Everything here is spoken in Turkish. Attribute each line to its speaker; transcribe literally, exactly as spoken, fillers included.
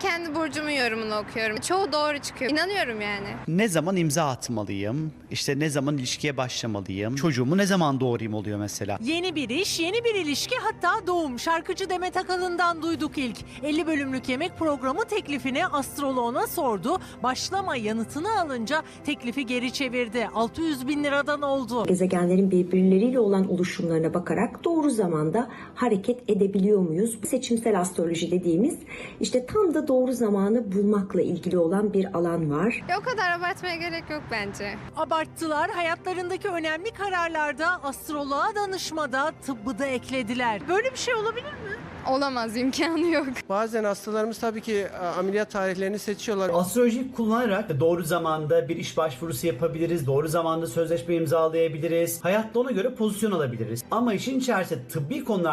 Speaker 1: kendi burcumun yorumunu okuyorum. Çoğu doğru çıkıyor. İnanıyorum yani.
Speaker 2: Ne zaman imza atmalıyım? İşte ne zaman ilişkiye başlamalıyım? Çocuğumu ne zaman doğurayım oluyor mesela.
Speaker 3: Yeni bir iş, yeni bir ilişki, hatta doğum. Şarkıcı Demet Akalın'dan duyduk ilk. elli bölümlük yemek programı teklifini astroloğuna sordu. Başlama yanıtını alınca teklifi geri çevirdi. altı yüz bin liradan oldu.
Speaker 4: Gezegenlerin birbirleriyle olan oluşumlarına bakarak doğru zamanda hareket edebiliyor muyuz? Seçimsel astroloji dediğimiz işte tam da doğru zamanı bulmakla ilgili olan bir alan var.
Speaker 1: Ya o kadar abartmaya gerek yok bence.
Speaker 3: Abarttılar, hayatlarındaki önemli kararlarda astroloğa danışmada, tıbbı da eklediler. Böyle bir şey olabilir mi?
Speaker 1: Olamaz, imkanı yok.
Speaker 5: Bazen hastalarımız tabii ki ameliyat tarihlerini seçiyorlar.
Speaker 2: Astrolojiyi kullanarak doğru zamanda bir iş başvurusu yapabiliriz. Doğru zamanda sözleşme imzalayabiliriz. Hayatta ona göre pozisyon alabiliriz. Ama işin içerisinde tıbbi konular